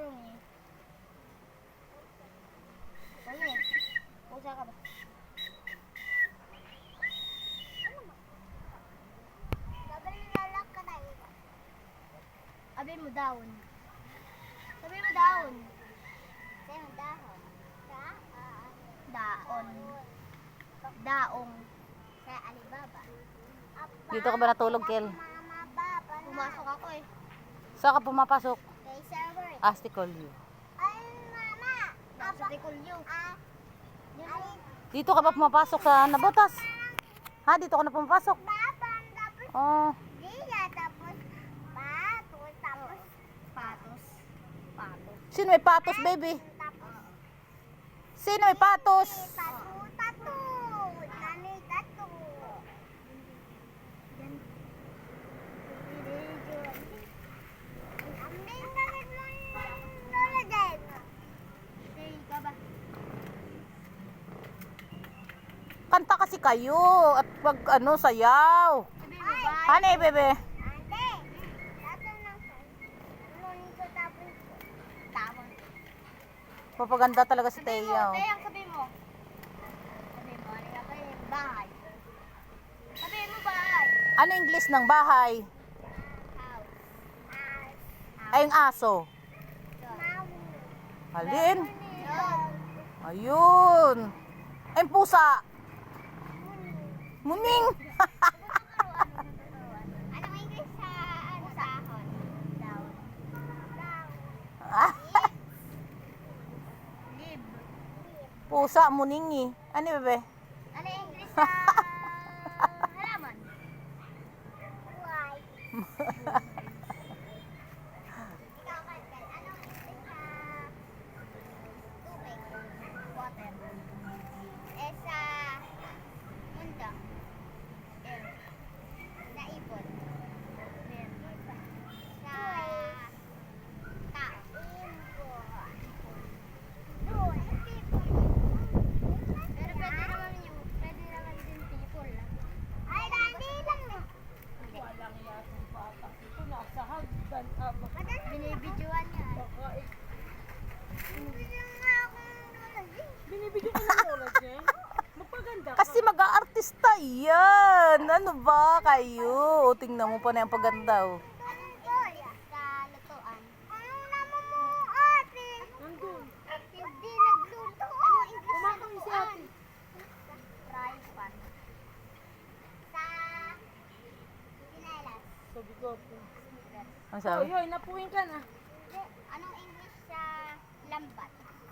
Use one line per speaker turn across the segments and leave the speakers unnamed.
Bruni. Ano eh? Pusa ka ba? Sabi mo daon. Sabi mo daon. Sabi mo dahon. Daon. Daong. Sa Alibaba.
Dito ka ba natulog, Kel?
Pumasok ako eh.
Saan ka pumapasok?
Kay server.
Asticolio.
Ay, mama. Nasa Tikulyo.
Dito ka ba pumapasok sa Nabotas? Ha? Dito ka na pumapasok? Oh.
Patos. Patos.
Sino may patos, baby? Sino may patos? Kanta kasi kayo at pag ano, sayaw. Honey, bebe. Papaganda talaga si Teo.
Teyang, sabi mo. Sabi mo, ano nga kayo? Bahay. Sabi mo, bahay.
Ano English ng bahay?
House.
Ay, yung aso. Halin? Ayun. Ay, yung pusa. Muning.
Anong English sa ano sahon? Down. Lib.
Pusa, muningi. Ano, bebe?
Ano yung English sa halaman? Why? Ikaw, Kalkal, anong English sa tubig? Water. Eh, sa mundo? Air. Sa ibon? Air. Sa tao? Pero pwede naman din people lang. Ay, dandi lang eh.
Walang yatong patak ito. Nasa hagdan.
Binibidyoan niya.
Binibigyan ka ng oras niya. Magpaganda ka.
Kasi mag-aartista yan. Ano ba kayo? O, tingnan mo pa na yung paganda. Oh.
Anong English sa lutuan? Anong naman mo, ate?
Nandun.
Hindi nagluto. Anong English sa
Kumakang si
lutuan?
ate.
Fry pan. Sa sinelas.
Sabi ko po.
Ano
Hoy,
sabi?
hoy, napuwing ka na.
Anong English sa lambat?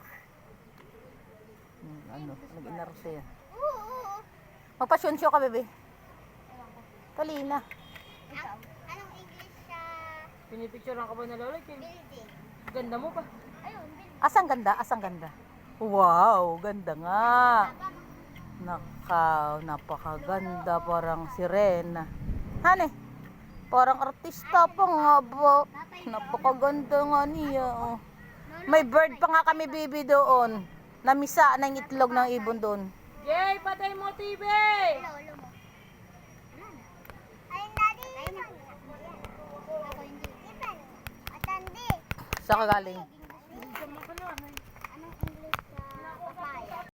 Ano? Nag-inarte yan.
Oo.
Magpa-show ka, bebe.
Ewan ko.
Talina.
Ikaw? Anong English sa
Pinipicturean ka ba na lola?
building?
Ganda mo pa.
Ayun, building.
Asang ganda? Asang ganda? Wow, ganda nga. Nakaw, napakaganda. Parang sirena. Hane? Parang artista pa nga ba? Napakaganda nga niya. Oh. May bird pa nga kami, baby, doon. Namisa na yung itlog ng ibon doon.
Jay, patay mo TV!
Lolo mo. Ay, daddy. Ako hindi. Atandi.
Saan ka galing?